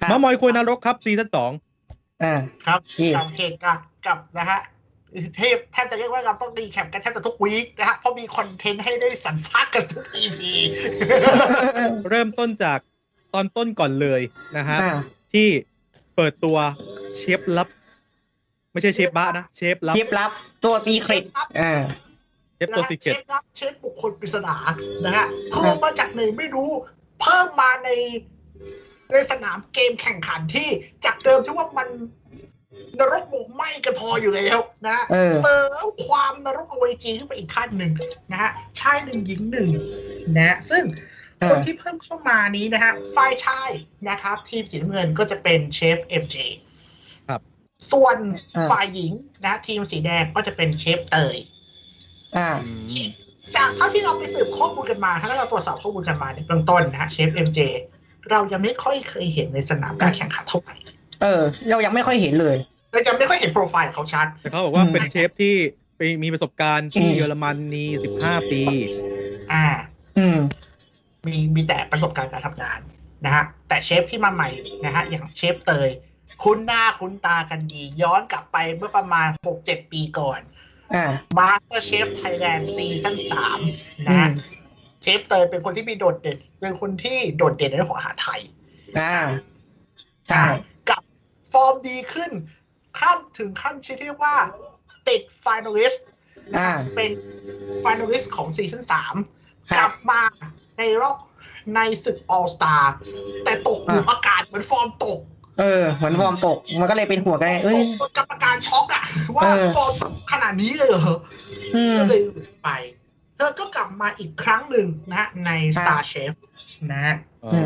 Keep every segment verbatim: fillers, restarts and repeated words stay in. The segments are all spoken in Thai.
มามอยคุยนรกครับซีซั่นสองอ่าครับกับเหตุการณ์กับนะฮะเทพแทบจะเรียกว่าเราต้องรีแคปกันแทบจะทุกวีคนะฮะเพราะมีคอนเทนต์ให้ได้สรรสร้างกันทุก อี พีเริ่มต้นจากตอนต้นก่อนเลยนะฮะอ่าที่เปิดตัวเชฟลับ ไม่ใช่เชฟบ้านะเชฟลับเชฟลับตัวซีเครตอ่าเชฟตัวซีเครตเชฟลับเชฟบุคคลปริศนานะฮะเพิ่มมาจากไหนไม่รู้เพิ่มมาในในสนามเกมแข่งขันที่จากเดิมที่ว่ามันนรกหมกไหม้กันพออยู่แล้วนะเสริมความนรกอเวจีขึ้นไปอีกขั้นหนึ่งนะฮะชายหนึ่งหญิงหนึ่งนะซึ่งคนที่เพิ่มเข้ามานี้นะฮะฝ่ายชายนะครับทีมสีน้ำเงินก็จะเป็นเชฟ เอ็ม เจครับส่วนฝ่ายหญิงนะทีมสีแดงก็จะเป็นเชฟเตยอ่าจากเท่าที่เราไปสืบข้อมูลกันมาถ้าเราตรวจสอบข้อมูลกันมาในเบื้องต้นนะฮะเชฟ เอ็ม เจ เรายังไม่ค่อยเคยเห็นในสนามการแข่งขันเท่าไหร่เออเรายังไม่ค่อยเห็นเลยเรายังไม่ค่อยเห็นโปรไฟล์เขาชัดแต่เขาบอกว่าเป็นเชฟที่ไปมีประสบการณ์ที่เยอรมนีสิบห้าปีอ่าอืมมีมีแต่ประสบการณ์การทำงานนะฮะแต่เชฟที่มาใหม่นะฮะอย่างเชฟเตยคุ้นหน้าคุ้นตากันดีย้อนกลับไปเมื่อประมาณ หกเจ็ด ปีก่อนอ่า Master Chef Thailand ซีซั่นสามนะฮะเชฟเตยเป็นคนที่มีโดดเด่นเป็นคนที่โดดเด่นในเรื่องของอาหารไทยอ่าใช่กับฟอร์มดีขึ้นขั้นถึงขั้นที่เรียกว่าติดไฟนอลิสต์เป็นไฟนอลิสต์ของซีซั่นสามกลับมาในรอบในศึก All Star แต่ตกหลุมอากาศเหมือนฟอร์มตกเออเหมือนฟอร์มตกมันก็เลยเป็นหัวกันเอ้ยกรรมการช็อกอะว่าฟอร์มขนาดนี้เลยเหรอก็เลยหลุดไปเธอก็กลับมาอีกครั้งหนึ่งนะฮะใน Star Chef นะ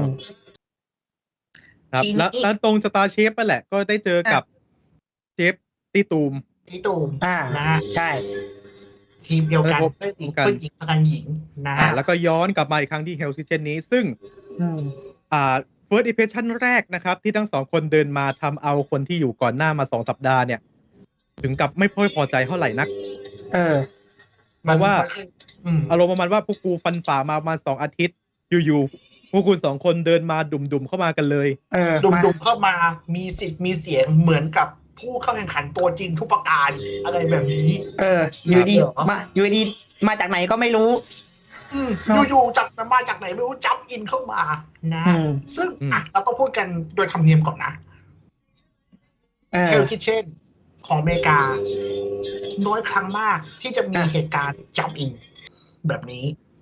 ครับแล้วแล้วตรง Star Chef นั่นแหละก็ได้เจอกับเชฟตีตูมตีตูมอ่านะใช่ทีมเดียวกันเพื่อนหญิงเพื่อนหญิงประกันหญิงนะแล้วก็ย้อนกลับมาอีกครั้งที่ Hell's Kitchen นี้ซึ่งอ่า first impression แรกนะครับที่ทั้งสองคนเดินมาทำเอาคนที่อยู่ก่อนหน้ามาสองสัปดาห์เนี่ยถึงกับไม่ค่อยพอใจเท่าไหร่นักเออเพราะว่าอารมณ์ประมาณว่าพวกกูฟันฝ่ามาประมาณสองอาทิตย์อยู่ๆพวกคุณสองคนเดินมาดุ่มๆเข้ามากันเลยเออดุ่มๆเข้ามามีสิทธิ์มีเสียงเหมือนกับผู้เข้าแข่งขันตัวจริงทุกประการอะไรแบบนี้เอออยู่ดีมาอยู่ดีมาจากไหนก็ไม่รู้อืมอยู่ๆจากมาจากไหนไม่รู้จับอินเข้ามานะซึ่งอ่ะเราต้องพูดกันโดยธรรมเนียมก่อนนะเฮลคิทเช่นของอเมริกาน้อยครั้งมากที่จะมีเหตุการณ์จับอินแบบนี้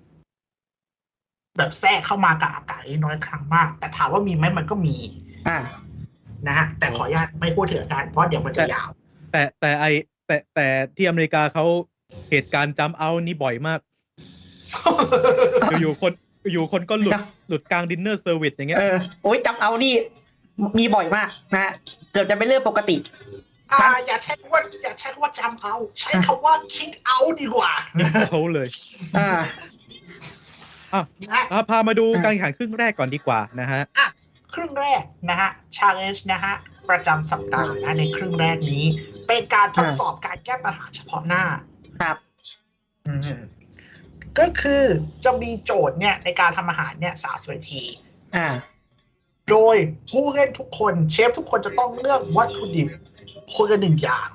แบบแทรกเข้ามากับอากาศน้อยครั้งมากแต่ถามว่ามีไหมมันก็มีอ่านะฮะแต่ขออนุญาตไม่พูดถึงอาการเพราะเดี๋ยวมันจะยาวแต่แต่ไอแต่แต่ที่อเมริกาเขาเหตุการณ์จัมป์เอาท์นี่บ่อยมากอยู่คนอยู่คนก็หลุดหลุดกลางดินเนอร์เซอร์วิสอย่างเงี้ยเออโอ้ยจัมป์เอาท์นี่มีบ่อยมากนะฮะเกือบจะเป็นเรื่องปกติอ่าอย่าใช้คำว่าอย่าใช้คำว่าจัมป์เอาท์ใช้คำว่าคิกเอาท์ดีกว่าเขาเลยอ่าอ่ะพามาดูการแข่งขันครึ่งแรกก่อนดีกว่านะฮะอ่ะครึ่งแรกนะฮะ challenge นะฮะประจำสัปดาห์นะในครึ่งแรกนี้เป็นการทดสอบการแก้ปัญหาเฉพาะหน้าครับอืมก็คือจะมีโจทย์เนี่ยในการทำอาหารเนี่ยสามสิบนาทีอ่าโดยผู้เล่นทุกคนเชฟทุกคนจะต้องเลือกวัตถุดิบคนละหนึ่งอย่าง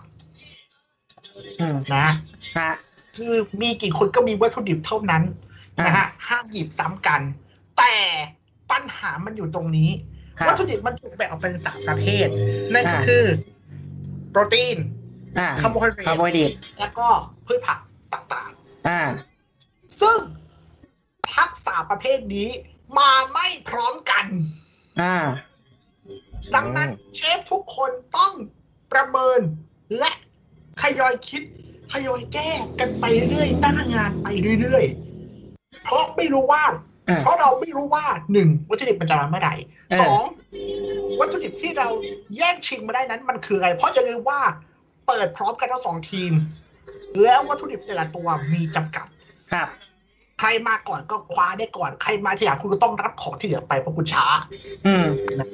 นะฮะคือมีกี่คนก็มีวัตถุดิบเท่านั้นนะฮะห้ามหยิบซ้ำกันแต่ปัญหามันอยู่ตรงนี้วัตถุดิบมันถูกแบ่งออกเป็นสามประเภทนั่นก็คือโปรตีนคาร์โบไฮเดรตแล้วก็พืชผักต่างๆซึ่งทักษะประเภทนี้มาไม่พร้อมกันดังนั้นเชฟทุกคนต้องประเมินและทยอยคิดทยอยแก้กันไปเรื่อยหน้างานไปเรื่อยๆเพราะไม่รู้ว่าเพราะเราไม่รู้ว่าหนึ่งวัตถุดิบมันจะมาเมื่อไหร่สองวัตถุดิบที่เราแย่งชิงมาได้นั้นมันคืออะไรเพราะอย่าลืมว่าเปิดพร้อมกันทั้งสองทีมแล้ววัตถุดิบแต่ละตัวมีจำกัดครับใครมาก่อนก็คว้าได้ก่อนใครมาทีหลังคุณก็ต้องรับของที่เหลือไปเพราะคุณช้าอืม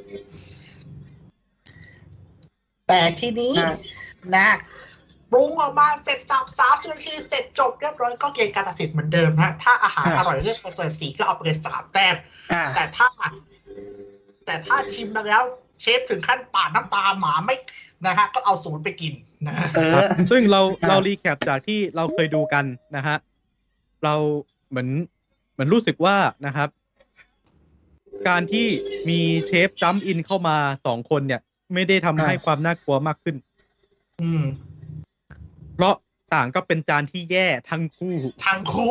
แต่ทีนี้นะปรุงออกมาเสร็จสับสามสิบนาทีเสร็จจบเรียบร้อยก็เกณฑ์การตัดสินเหมือนเดิมฮะถ้าอาหารอร่อยเลือกประเสริฐสีก็เอาไปเลยสามแต้มแต่ถ้าแต่ถ้าชิมมาแล้วเชฟถึงขั้นปาดน้ำตาหมาไม่นะฮะก็เอาศูนย์ไปกินนะฮะเอครัอบซึ่งเราอ่าเรารีแคปจากที่เราเคยดูกันนะฮะเราเหมือนเหมือนรู้สึกว่านะครับ การที่มีเชฟจัมป์อินเข้ามาสองคนเนี่ย ไม่ได้ทำให้ความน่ากลัวมากขึ้นอืมเพราะต่างก็เป็นจานที่แย่ทั้งคู่ทางคู่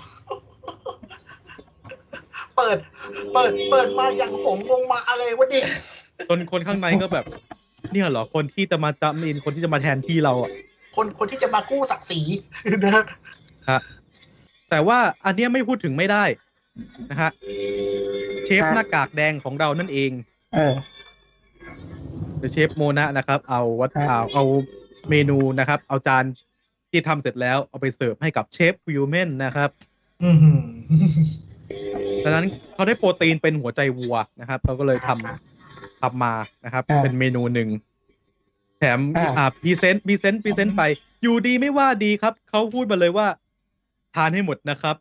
เปิด เปิด เปิดมาอย่างหงงงมาอะไรวะเนี่ยจนคนข้างในก็แบบ เนี่ยเหรอคนที่จะมาจัมป์อินคนที่จะมาแทนที่เราอ่ะคนคนที่จะมากู้ศักดิ์ศรีนะฮะฮะแต่ว่าอันเนี้ยไม่พูดถึงไม่ได้นะฮะเชฟหน้ากากแดงของเรานั่นเองเออเชฟโมนะนะครับ เอาวัตครับเอาเอาเมนูนะครับ เอาจานที่ทำเสร็จแล้วเอาไปเสิร์ฟให้กับเชฟวิลเมนนะครับอือหือดังนั้นเขาได้โปรตีนเป็นหัวใจวัวนะครับเขาก็เลยทำทำมานะครับอ่าเป็นเมนูหนึ่งแถมอ่าอ่าพรีเซนต์พรีเซนต์พรีเซนต์ไป อยู่ดีไม่ว่าดีครับเขาพูดมาเลยว่า ทานให้หมดนะครับ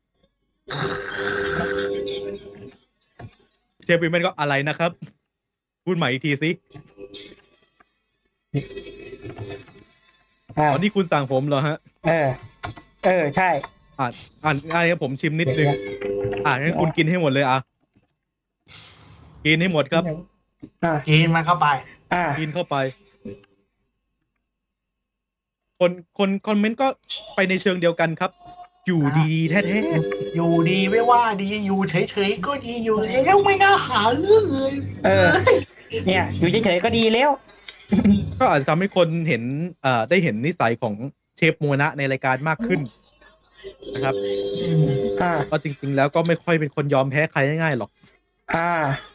เชฟวิลเมนก็อะไรนะครับ พูดใหม่อีกทีสิอ่าอ๋อนี่คุณสั่งผมเหรอฮะเออ เออ ใช่อ่านอ่านอ่านผมชิมนิดนึง อ่างั้นคุณกินให้หมดเลยอ่ะ กินให้หมดครับอ่ากินมันเข้าไปอ่ากินเข้าไป คนคนคอมเมนต์ก็ไปในเชิงเดียวกันครับ อยู่ดีแท้อยู่ดีไม่ว่าดีอยู่เฉยๆก็ดีอยู่แล้วไม่น่าหาเรื่องเลยเออ เนี่ย อยู่เฉยๆก็ดีแล้วๆก็อาจจะทำให้คนเห็นเอ่อได้เห็นนิสัยของเชฟโมนะในรายการมากขึ้นนะครับอืมอ่าก็จริงๆแล้วก็ไม่ค่อยเป็นคนยอมแพ้ใครง่ายๆหรอกอ่า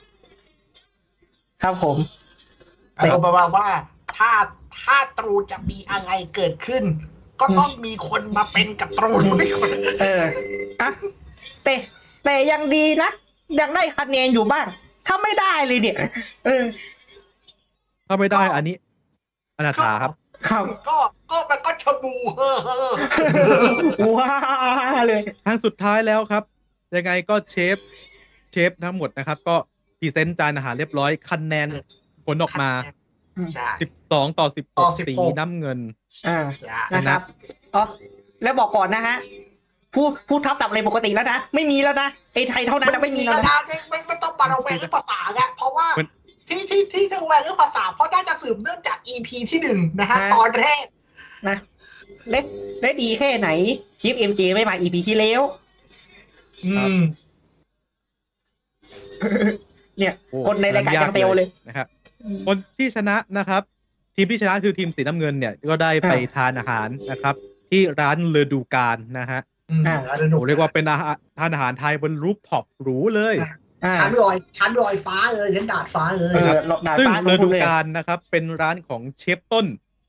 ครับผมอารมณ์ประมาณว่าถ้าถ้าตรูจะมีอะไรเกิดขึ้น ก็ต้องมีคนมาเป็นกับตรูด้วยคนเออ อ่ะ แต่ แต่ยังดีนะ ยังได้คะแนนอยู่บ้าง ถ้าไม่ได้เลยเนี่ย เออถ้าไม่ได้อันนี้อนาถาครับครับก็ก็มันก็ชะบูเฮ้อเฮ้อว้าเลยทางสุดท้ายแล้วครับ ยังไงก็เชฟเชฟทั้งหมดนะครับ ก็พรีเซนต์จานอาหารเรียบร้อยคะแนนผลออกมาใช่สิบสองต่อสิบหต่อก สิบหกสีน้ำเงินอ่าใช่นะครับ อ๋อ แล้วบอกก่อนนะฮะ พูด พูดทับตับอะไรปกติแล้วนะ ไม่มีแล้วนะไอ้ไทยเท่านั้นนะไม่มีแล้วแล้วนะนะไม่ไม่ต้องมาระแวงเรื่องภาษาไงเพราะว่ามันที่ที่ที่ระแวงเรื่องภาษา เพราะน่าจะสืบเนื่องจาก อี พี ที่หนึ่งนะฮะฮะตอนแรกนะเล็กเล็กดีแค่ไหนชิปเอ็มเจไม่มาอีพีที่แล้วอืมเนี่ยโอ้คนในรายการยังเตียวเลยนะครับ คนที่ชนะนะครับ ทีมที่ชนะคือทีมสีน้ำเงินเนี่ย ก็ได้ไปอ่าทานอาหารนะครับ ที่ร้านเลอดูการนะฮะอืมอ่าแล้วดูโอ้เรียกว่าเป็นอาหารทานอาหารไทยบนรูฟท็อปหรูเลยอ่าชั้นลอยชั้นลอยฟ้าเลยชั้นดาดฟ้าเลยเออดาดซึ่งฟ้าเลอทุดูกเลยการนะครับ เป็นร้านของเชฟต้น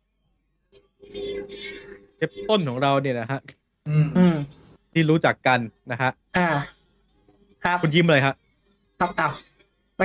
เชฟต้นของเราเนี่ยนะฮะอืมอืมที่รู้จักกันนะฮะอ่า ครับคุณยิ้มเลยฮะครับอ้าวไป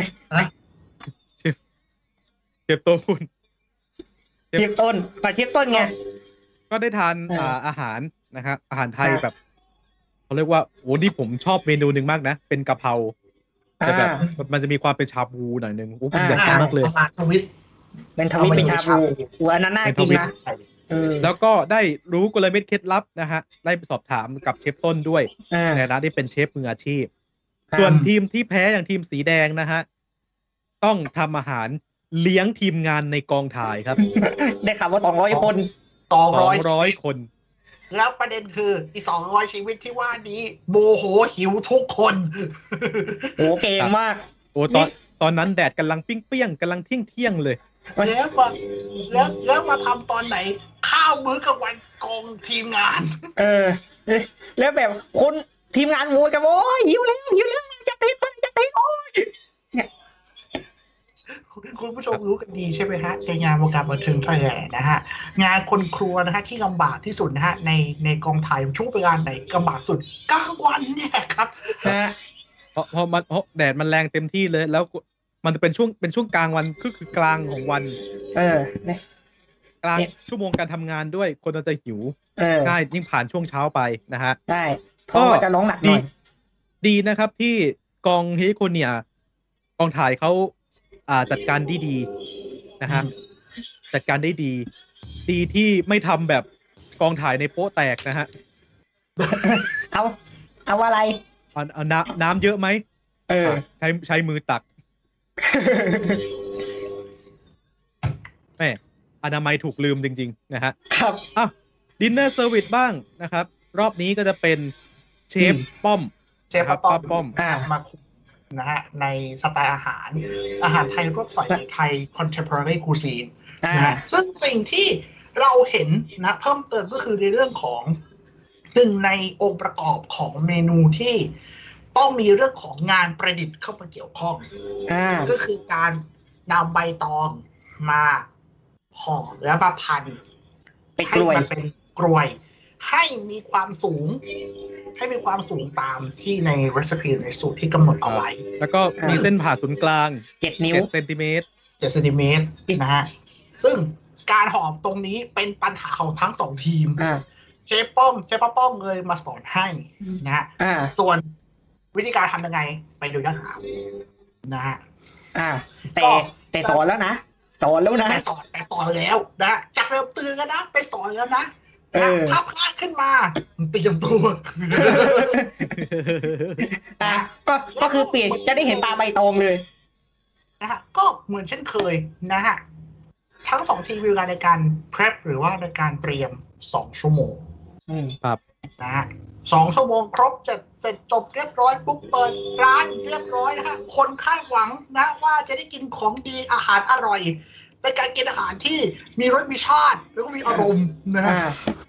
เชฟต้นคุณเชียบต้นมาเชียบต้นไงก็ได้ทานเอออ่อ่าอาหารนะครับอาหารไทยครับแบบเขาเรียกว่าโอ้นี่ผมชอบเมนูหนึ่งมากนะ เป็นกะเพราแต่แบบอ่ามันจะมีความเป็นชาบูหน่อยหนึ่งโอ้ผมอ่าอยากกินมากเลยประมาณทวิสต์เป็นทวิตเป็นชาบูหัวอันนั้นน่ากินนะเออแล้วก็ได้รู้กลเม็ดเคล็ดลับนะฮะได้ไปสอบถามกับเชฟต้นด้วยอ่าในฐานะที่เป็นเชฟมืออาชีพครับส่วนทีมที่แพ้อย่างทีมสีแดงนะฮะต้องทำอาหารเลี้ยงทีมงานในกองถ่ายครับได้ข่าวว่าสองร้อยคนสองสอร้อยงร้อยคนแล้วประเด็นคืออีสองร้อยชีวิตที่ว่านี้โมโหหิวทุกคนโอ้เก่งมากโอ้ตอนตอนนั้นแดดกำลังปิ้งเปี้ยงๆกำลังเที่ยงเที่ยงๆเลยแล้วมาแล้วแล้วมาทำตอนไหน ข้าวมื้อกลางวันกองทีมงานเออ แล้วแบบคนทีมงานโวยกันโอ้ยหิวแล้วหิวแล้วจะติดจะติดโอ้ยคุณผู้ชมรู้กันดีใช่ไหมฮะในงานวงการบันเทิงไทยแลนด์นะฮะงานคนครัวนะฮะที่ลำบากที่สุดนะฮะในในกองถ่ายช่วงเวลาไหนลำบากสุดกลางวันเนี่ยครับนะเพราะเพราะมันเพราะแดดมันแรงเต็มที่เลย แล้วมันจะเป็นช่วงเป็นช่วงกลางวันก็คือกลางของวันเออเนี่ยกลางเนี่ยชั่วโมงการทำงานด้วยคนเราจะหิวเออง่ายยิ่งผ่านช่วงเช้าไปนะฮะได้เพราะว่าจะร้องหนักหน่ดีอยดีนะครับที่กองเฮโคเนียกองถ่ายเขาอ่าจัดการได้ดีนะฮะจัดการได้ดี ดีที่ไม่ทำแบบกองถ่ายในโป๊ะแตกนะฮะเอา เอาอะไรเอาเอาน้ำน้ำเยอะไหมเอออ่ะใช้ใช้มือตักแม่อนามัยถูกลืมจริงๆนะฮะครับอ่ะดินเนอร์เซอร์วิสบ้างนะครับ รอบนี้ก็จะเป็นเชฟอืมป้อมเชฟครับป้อป้าม ป้อมอ่ามาคุมนะฮะในสไตล์อาหาร อาหารไทยรวบใส่ในไทย contemporary cuisine อ่านะฮะซึ่งสิ่งที่เราเห็นนะเพิ่มเติมก็คือในเรื่องของหนึ่งในองค์ประกอบของเมนูที่ต้องมีเรื่องของงานประดิษฐ์เข้ามาเกี่ยวข้องอ่าก็คือการนำใบตองมาห่อและมาพันเป็นให้กล้วยมันเป็นกลวย ให้มีความสูง ให้มีความสูงตามที่ในรีซิปีในสูตรที่กำหนดเอาไว้แล้วก็มีเส้นผ่าศูนย์กลางเจ็ดนิ้วเจ็ดเซนติเมตรเจ็ดเซนติเมตรนะฮะ ซึ่งการหอมตรงนี้เป็นปัญหาของทั้งสองทีมอ่าเชฟป้อมเชฟป้าป้อมเลยมาสอนให้นะฮะอ่าส่วนวิธีการทำยังไงไปดูย้อนหลังนะฮะอ่า แต่ก็แต่สอนแล้วนะ สอนแล้วนะไปสอนไปสอนแล้วนะจากเริ่มตื่นกันนะ ไปสอนแล้วนะเออถ้าพลาดขึ้นมาเตรียมตัวอ่า ก็ ก็คือเปลี่ยน จะได้เห็นตาใบตองเลยนะฮะก็เหมือนเช่นเคยนะฮะทั้งสองทีมมีเวลาในการ prep หรือว่าในการเตรียมสองชั่วโมงอืมครับนะฮะสองชั่วโมงครบจะเสร็จจบเรียบร้อยปุ๊บเปิดร้านเรียบร้อยนะฮะคนคาดหวังนะว่าจะได้กินของดีอาหารอร่อยเป็นการกินอาหารที่มีรสมีชาติแล้วก็มีอารมณ์นะฮะอ่า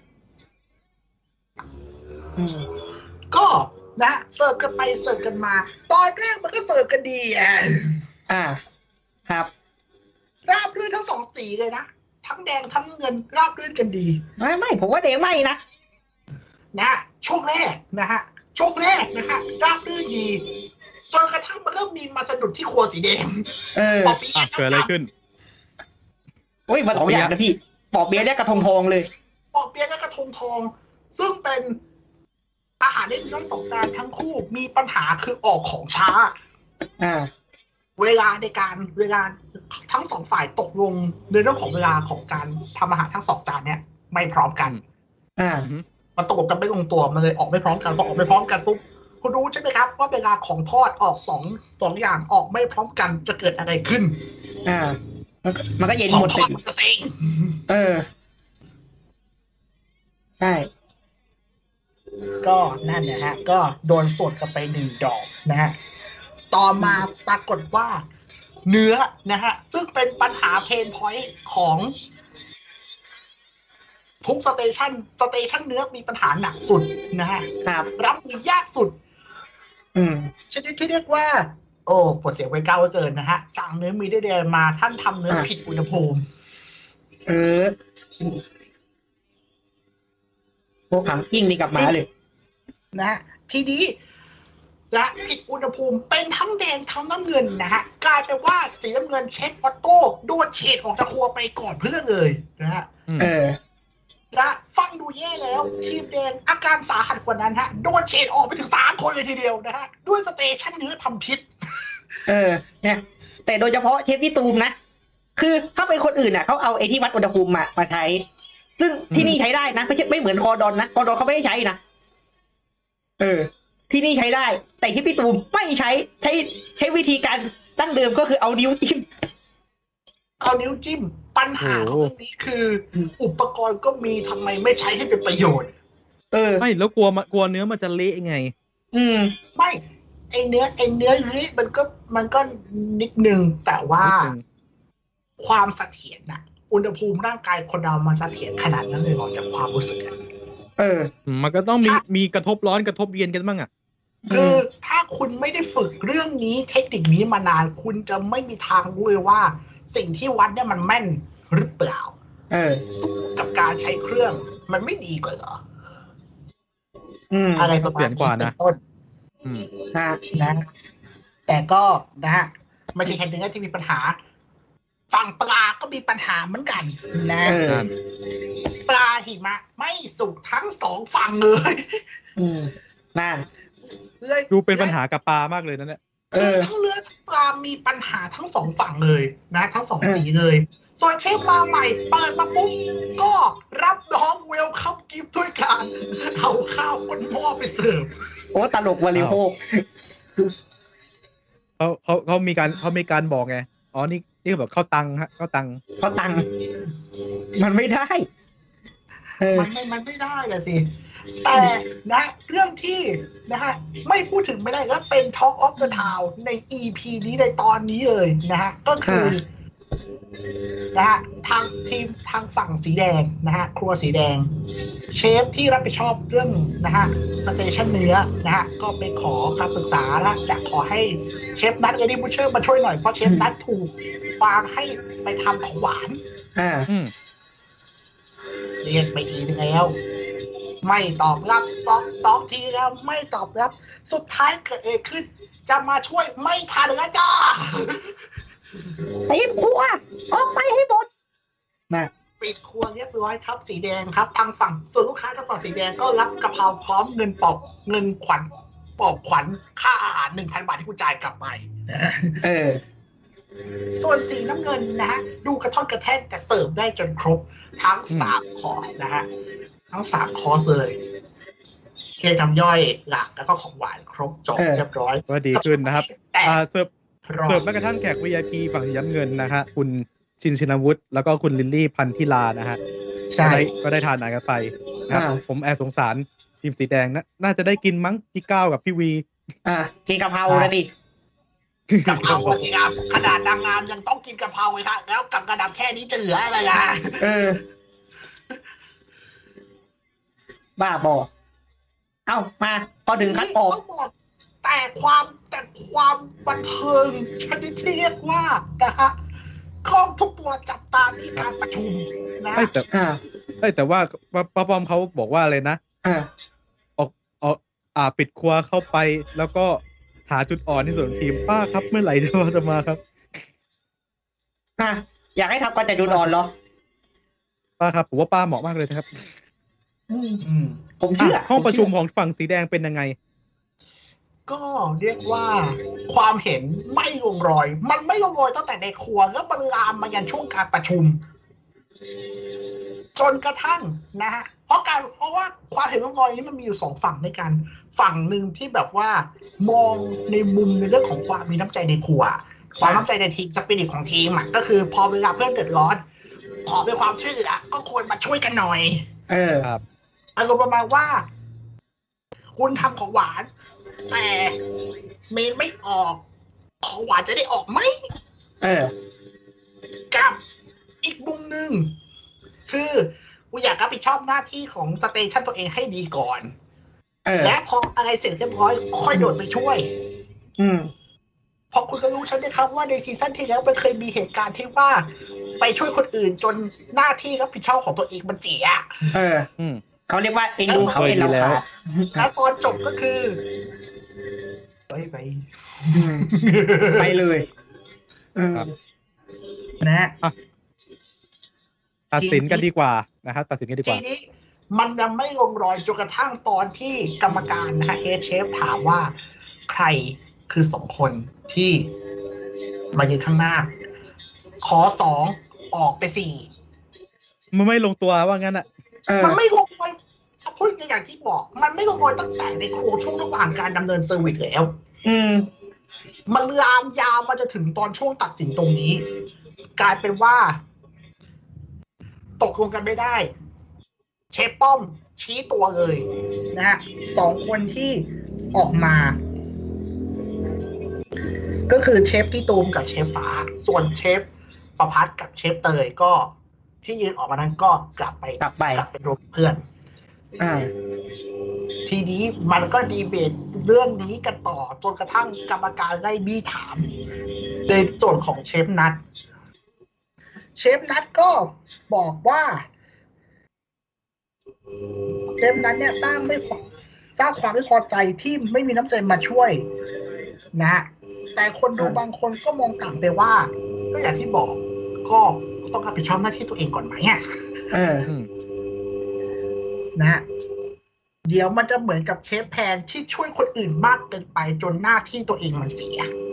อืมก็นะเสิร์ฟกันไปเสิร์ฟกันมา ตอนแรกมันก็เสิร์ฟกันดีอ่ะอ่า ครับราบรื่นทั้งสองสีเลยนะทั้งแดงทั้งเงินราบรื่นกันดีไม่ไม่ผมว่าเดงไม่นะนะฮะช่วงแรกนะฮะช่วงแรกนะฮะราบรื่นดีจนกระทั่งมันเริ่มมีมาสะดุดที่ครัวสีแดงเออปอเปี๊อ่ะยะเกิดอะไรขึ้นโอ้ยมาสองอย่างนะพี่ ปอบเบี้ยเนี่ยกระทงทองเลยปอเปี๊ยะและกระทงทอง ซึ่งเป็นอาหารในทั้งสองจานทั้งคู่มีปัญหาคือออกของช้าอ่าเวลาในการเวลาทั้งสองฝ่ายตกลงในเรื่องของเวลาของการทำอาหารทั้งสองจานเนี่ยไม่พร้อมกันอ่ามันตกลงกันไม่ลงตัวมันเลยออกไม่พร้อมกันพอออกไม่พร้อมกันปุ๊บคุณรู้ใช่ไหมครับว่าเวลาของทอดออกสองสองอย่างออกไม่พร้อมกันจะเกิดอะไรขึ้นอ่า มันก็มันก็เย็นของหมดทสิอดมันจะเซ็งเออ ใช่ก็นั่นนะฮะก็โดนสดกันไปหนึ่งดอกนะฮะต่อมาปรากฏว่า เนื้อนะฮะซึ่งเป็นปัญหาเพนพอยต์ของทุกสเตชันสเตชันเนื้อมีปัญหาหนักสุดนะฮะครับรับมือยากสุดอืมชนิดที่เรียกว่า โอ้ปวดเสียงไว้ก้าวเกินนะฮะ สั่งเนื้อมีได้เดียมาท่านทำเนื้ออ่ะผิดอุณหภูมิเออ พวกขังกิ้งนี่กลับมาเลยนะฮะทีนี้และผิดอุณหภูมิเป็นทั้งแดงทั้งน้ำเงินนะฮะกลายเป็นว่าสีน้ำเงินเชฟออโต้โดนเฉดออกจากครัวไปก่อนเพื่อนเลยนะฮะอืมเออและฟังดูแย่แล้ว ทีมแดงอาการสาหัสกว่านั้นฮะโดนเฉดออกไปถึงสามคนเลยทีเดียวนะฮะด้วยสเตชันเนื้อทำพิษเออ เนี่ย แต่โดยเฉพาะเชฟพี่ตูมนะ คือถ้าเป็นคนอื่นน่ะเขาเอาไอ้ที่วัดอุณหภูมิมามาใช้ ซึ่งที่นี่ใช้ได้นะไม่ใช่ไม่เหมือนคอดอนนะคอดอนเขาไม่ได้ใช้นะ เออ ที่นี่ใช้ได้ แต่ที่พี่ตูมไม่ใช้ ใช้ใช้วิธีการดั้งเดิมก็คือเอานิ้วจิ้มเอานิ้วจิ้มปัญหาของเรื่องนี้คือ อุปกรณ์ก็มีทำไมไม่ใช้ให้เป็นประโยชน์เออไม่แล้วกลัวมากลัวเนื้อมันจะเละไงอืมไม่ไอเนื้อไอเนื้อนี้มันก็มันก็นิดนึงแต่ว่านิดนึงความเสถียรน่ะ อุณหภูมิร่างกายคนเรามันเสถียรขนาดนั้นเลยเหรอจากความรู้สึกอะเออมันก็ต้องมีมีกระทบร้อนกระทบเย็นกันบ้างอ่ะคือถ้าคุณไม่ได้ฝึกเรื่องนี้เทคนิคนี้มานานคุณจะไม่มีทางรู้เลยว่า สิ่งที่วัดเนี่ยมันแม่นหรือเปล่าเออสู้กับการใช้เครื่องมันไม่ดีกว่าเหรออืมอะไรประมาณเสียงกว่านะเป็ต้นอืมฮะนะแต่ก็นะฮะไม่ใช่แค่เนื้อที่มีปัญหา ฝั่งปลาก็มีปัญหาเหมือนกันนะเออนั่นปลาหิมะไม่สุกทั้งสองฝั่งเลยอืมนั่นเลยดูเป็นปัญหากับปลามากเลยนะเนี่ยเเอคืออทั้งเรือทั้งปลามีปัญหาทั้งสองฝั่งเลยนะ ทั้งสองเออสีเลย ส่วนเชฟมาใหม่เปิดมาปุ๊บก็รับน้องเวลคัมกิฟต์ด้วยการเอาข้าวบนหม้อไปเสิร์ฟโอ้ตลกวาริโภคเขาเขาเขามีการเขามีการบอกไงอ๋อนี่นี่แบบเข้าตังค์ฮะเข้าตังค์เขาตังค์มันไม่ได้ เออมันไม่มันไม่ได้เลยสิ แต่นะเรื่องที่นะฮะไม่พูดถึงไม่ได้ก็เป็น Talk of the Town ใน อี พี นี้ในตอนนี้เลยนะฮะก็คือนะฮะทางทีมทางฝั่งสีแดงนะฮะครัวสีแดง เชฟที่รับผิดชอบเรื่องนะฮะสเตชันเนื้อนะฮะก็ไปขอคำปรึกษานะจะขอให้เชฟนัทเอดี้บูเชอร์มาช่วยหน่อยเพราะเชฟนัทถูกวางให้ไปทำของหวานอ่าอืมเรียกไปทีนึงแล้ว ไม่ตอบรับสองสองทีแล้วไม่ตอบรับ สุดท้ายเกิดเอะไรขึ้น จะมาช่วยไม่ทันแล้วจ้าตีมครัวออกไปให้หมดนะปิดครัวเรียบร้อยครับสีแดงครับทางฝั่งส่วนลูกค้าทางฝั่งสีแดงก็รับกะเพราพร้อมเงินปลอบเงินขวัญปลอบขวัญค่าอาหารหนึ่งพันบาทที่คุณจ่ายกลับไปนะเออส่วนสีน้ำเงินนะฮะดูกระท่อนกระแท่นแต่เสิร์ฟได้จนครบทั้งสามคอร์สนะฮะทั้งสามคอร์สเลยเครื่องทำย่อยหลักแล้วก็ของหวานครบจบเออเรียบร้อยก็ดีขึ้นนะครับแต่อ่าเสิร์ฟรอเสิร์ฟแม้กระทั่งแขก วี ไอ พี ฝั่งสีน้ำเงินนะฮะคุณชินชินวุฒิแล้วก็คุณลิลลี่พันธิลานะฮะใช่ก็ได้ก็ได้ทานอาหารกันไปนะครับอ่าผมแอบสงสารทีมสีแดงนะน่าจะได้กินมั้งพี่ก้าวกับพี่วีอ่ากินกะเพราเลยดิกะเพราสิครับขนาดนางงามยังต้องกินกะเพราเลยครับแล้วกับกระดับแค่นี้จะเหลืออะไรอ่ะเออ บ้าบอ เอ้ามา พอถึงคัดออกต้องบอกแต่ความแต่ความบันเทิงชนิดที่เรียกว่านะฮะกล้องทุกตัวจับตาที่การประชุมนะเอ้ยแต่อ่าเอ้ยแต่ว่าป้าป้าป้อมเขาบอกว่าอะไรนะอ่าออกออกอ่าปิดครัวเข้าไป แล้วก็หาจุดอ่อนในส่วนของทีมป้าครับเมื่อไหร่จะมาจะมาครับอ่ะ อยากให้ทำกันแต่ดูนอนเหรอป้าครับผมว่าป้าเหมาะมากเลยนะครับอืมอืมผมเชื่ออ่ะห้องประชุมผของฝั่งสีแดงเป็นยังไงก็เรียกว่าความเห็นไม่ลงรอย มันไม่ลงรอยตั้งแต่ในครัวแล้วมันลามมายันช่วงการประชุม จนกระทั่งนะฮะเพราะการเพราะว่าความเห็นลงรอยนี้มันมีอยู่สองฝั่งด้วยกัน ฝั่งหนึ่งที่แบบว่ามองในมุมในเรื่องของความมีน้ำใจในครัว ความน้ำใจในทีมสปิริตของทีมอ่ะก็คือพอเวลาเพื่อนเดือดร้อน ขอเป็นความช่วยเหลือก็ควรมาช่วยกันหน่อยเออครับอารมณ์ประมาณว่า คุณทำของหวาน แต่เมนไม่ออก ของหวานจะได้ออกไหมเออกับอีกมุมหนึ่งคือกูอยากรับผิดชอบหน้าที่ของสเตชันตัวเองให้ดีก่อนเออและพออะไรเสร็จเรียบร้อยค่อยโดดไปช่วยอืมเพราะคุณก็รู้ใช่ไหมครับว่าในซีซั่นที่แล้วมันเคยมีเหตุการณ์ที่ว่า ไปช่วยคนอื่นจนหน้าที่รับผิดชอบของตัวเองมันเสียเอออืมเขาเรียกว่าเอ็นดูเขาเอ็นเราขาดแล้วตอนจบก็คือไปไปอืมไปเลยเออครับนะตัดสินกันดีกว่านะครับตัดสินกันดีกทีว่านี้มันยังไม่ลงรอยจนกระทั่งตอนที่กรรมการนะฮะเฮดเชฟถามว่าใครคือสองคนที่มายืนข้างหน้า ขอสองออกไปสี่มันไม่ลงตัวว่างั้นอ่ะเออมันไม่ลงรอยถ้าพูดอย่างที่บอก มันไม่ลงรอยตั้งแต่ในครัวช่วงระหว่างการดำเนินเซอร์วิสแล้วอืมมันลามยาวมาจะถึงตอนช่วงตัดสินตรงนี้ กลายเป็นว่า ตกลงกันไม่ได้ เชฟป้อมชี้ตัวเลยนะฮะสองคนที่ออกมา ก็คือเชฟที่ตูมกับเชฟฟ้า ส่วนเชฟประพัฒน์กับเชฟเตยก็ที่ยืนออกมานั้นก็กลับไปกลับไปกลับไปรวมเพื่อนอ่าทีนี้มันก็ดีเบตเรื่องนี้กันต่อจนกระทั่งกรรมการไล่บี้ถามในส่วนของเชฟนัทเชฟนัทก็บอกว่าเชฟนัทเนี่ยสร้างไม่พอสร้างความไม่พอใจที่ไม่มีน้ำใจมาช่วยนะ แต่คนดูบางคนก็มองต่างไปว่า ก็อย่างที่บอก ก็ต้องรับผิดชอบหน้าที่ตัวเองก่อนไหมอ่ะเอออืมนะ เดี๋ยวมันจะเหมือนกับเชฟแพนที่ช่วยคนอื่นมากเกินไปจนหน้าที่ตัวเองมันเสีย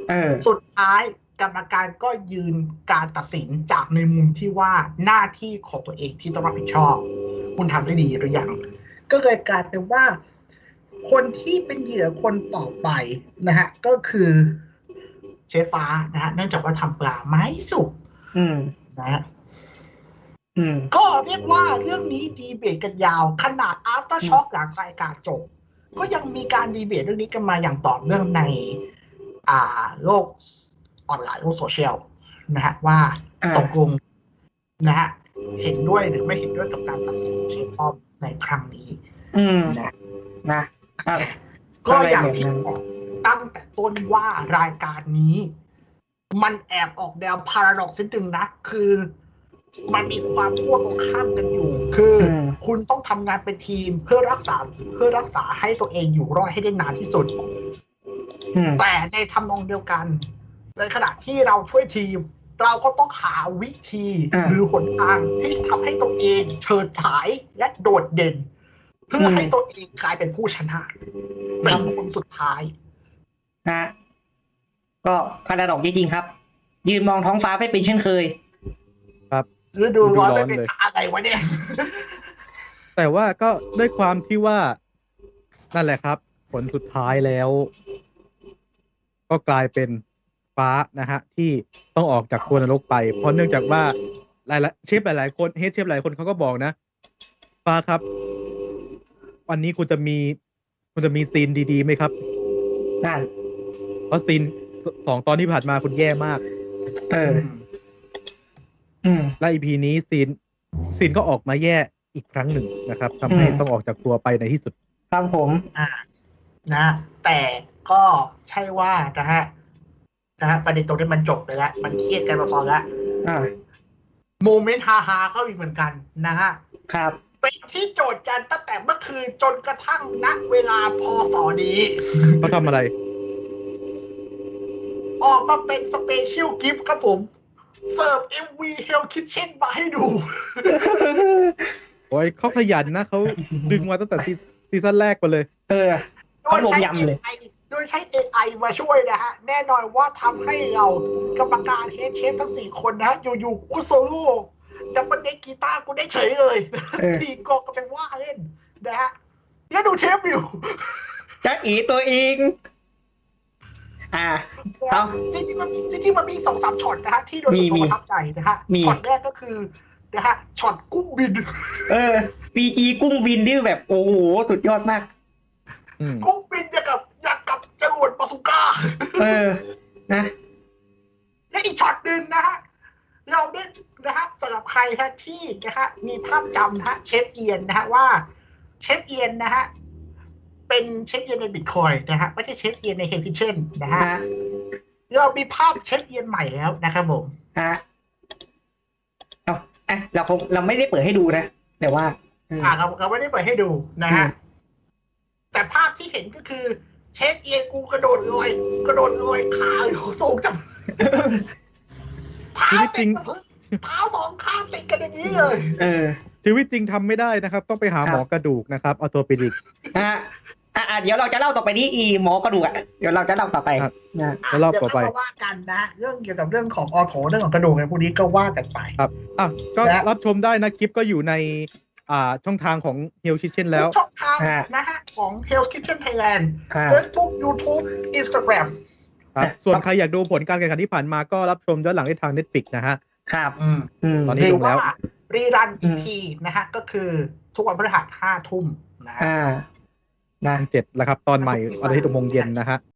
เออสุดท้ายกรรมการก็ยืนการตัดสินจากในมุมที่ว่าหน้าที่ของตัวเองที่ต้องรับผิดชอบ คุณทำได้ดีหรือยังก็เลยกลายเป็นว่า คนที่เป็นเหยื่อคนต่อไปนะฮะก็คือเชฟฟ้านะฮะเนื่องจากว่าทำปลาไม้สุกอืมนะฮะอืมก็เรียกว่าเรื่องนี้ดีเบตกันยาวขนาด after shock หลังรายการจบก็ยังมีการดีเบตเรื่องนี้กันมาอย่างต่อเนื่องในอ่าโลกออนไลน์โลกโซเชียลนะฮะว่าอ่าตกลงนะฮะเห็นด้วยหรือไม่เห็นด้วยกับการตัดสินของเชฟป้อมในครั้งนี้อืมนะนะอ่ะก็อย่างที่บอกตั้งแต่ต้นว่ารายการนี้ มันแอบออกแนวพาราดอกซ์นิดนึงนะ คือมันมีความขั้วตรงข้ามกันอยู่ คืออมคุณต้องทำงานเป็นทีมเพื่อรักษาเพื่อรักษาให้ตัวเองอยู่รอดให้ได้นานที่สุดอืมแต่ในทำนองเดียวกันในขณะที่เราช่วยทีม เราก็ต้องหาวิธีอ่าหรือหนทางที่ทำให้ตัวเองเฉิดฉายและโดดเด่น เพื่อให้ตัวเองกลายเป็นผู้ชนะเป็นคนสุดท้ายนะ ก็พาราดอกจริงๆครับ ยืนมองท้องฟ้าไม่เป็นเช่นเคยฤดูร้อนฤดูร้อนไม่เป็นเลยอะไรวะเนี่ยแต่ว่าก็ด้วยความที่ว่านั่นแหละครับ ผลสุดท้ายแล้ว ก็กลายเป็นฟ้านะฮะ ที่ต้องออกจากตัวนรกไป เพราะเนื่องจากว่าหลายๆเชฟหลาย ๆ คนเฮดเชฟหลายคนเขาก็บอกนะ ฟ้าครับ วันนี้คุณจะมี คุณจะมีซีนดีๆไหมครับนั่นเพราะซีนสองตอนที่ผ่านมาคุณแย่มากเออ อืมและ อี พี นี้ซีนซีนก็ออกมาแย่อีกครั้งหนึ่งนะครับทำให้อืมต้องออกจากตัวไปในที่สุดครับผมอ่านะแต่ก็ใช่ว่านะฮะนะฮะประเด็นตรงนี้มันจบไปแล้ว มันเครียดกันมาพอแล้วอ่าโมเมนต์ฮาฮาๆก็มีเหมือนกันนะฮะครับเป็นที่โจทย์จันตั้งแต่เมื่อคืนจนกระทั่งณเวลาพศนี้เขาทำอะไรออกมาเป็นสเปเชียลกิฟต์ครับผม เสิร์ฟ เอ็ม วี Hell Kitchen มาให้ดูโอ้ยเขาขยันนะเขาดึงมาตั้งแต่ซีซีซั่นแรกมาเลยเออโดยใช้เขาลงยำเลยเอ ไอ โดยใช้ เอ ไอ มาช่วยนะฮะ แน่นอนว่าทำให้เรากรรมการเฮดเชฟทั้งสี่คนนะฮะ อยู่ๆกูโซโล่ดับเบิลเด็กกีตาร์กูได้เฉยเลยเออทีกองก็ไปว่าเล่นนะฮะ แล้วดูเชฟอยู่จ๊ะอีตัวเอง อ่า เอาจริงๆมันจริงๆมันมีสองสามช็อตนะฮะ ที่โดยส่วนตัวมีประทับใจนะฮะมีช็อตแรกก็คือนะฮะช็อตกุ้งบินเออ ปีจีกุ้งบินที่แบบ โอ้โห สุดยอดมากอืมกุ้งบินอย่างกับอย่างกับจรวดบาซูก้าเออ นะและอีกช็อตหนึ่งนะฮะ เราได้นะฮะสำหรับใครฮะที่นะฮะมีภาพจำนะฮะเชฟเอียนนะฮะว่าเชฟเอียนนะฮะเป็นเชฟเอียนในบิตคอยนะฮะไม่ใช่เชฟเอียนในเฮลคิเช่นนะฮะฮะเรามีภาพเชฟเอียนใหม่แล้วนะครับผมฮะ เอาอ่ะเราคงเราไม่ได้เปิดให้ดูนะ แต่ว่าเอออ่าเราเราไม่ได้เปิดให้ดูนะฮะอืมแต่ภาพที่เห็นก็คือเชฟเอียนกูกระโดดลอยกระโดดลอยขาอยู่สูงจังเท้าชีวิตจริติดงกับพื้นเท้าสองข้างติดกันอย่างนี้เลยเออชีวิตจริงทำไม่ได้นะครับ ต้องไปหาครับหมอกระดูกนะครับออโตปิดิกฮะอ่ะอ่ะเดี๋ยวเราจะเล่าต่อไปที่อีหมอกระดูกอ่ะ เดี๋ยวเราจะเล่าต่อไปครับนะแล้วรอบต่อไปเดี๋ยวเราว่ากันนะ เรื่องเกี่ยวกับเรื่องของออโถเรื่องของกระดูกอะไรพวกนี้ก็ว่ากันไปครับอ่ะก็และรับชมได้นะคลิปก็อยู่ใน อ่าช่องทางของ Hell Kitchen แล้วทุกช่องทางฮะนะฮะของ Hell's Kitchen Thailand ฮะ Facebook YouTube Instagram ครับอ่ะส่วนใครอยากดูผลการแข่งขันที่ผ่านมาก็รับชมย้อนหลังได้ทาง Netflix นะฮะครับอืมอืมตอนนี้หรืลองแล้ว่าว รีรันอีอืกมทีนะฮะ ก็คือทุกวันพฤหัสห้าทุ่มนะฮะอ่า นะเจ็ดแล้วครับ ตอนใหม่วันอาทิตย์หกโมงเย็นนะฮะ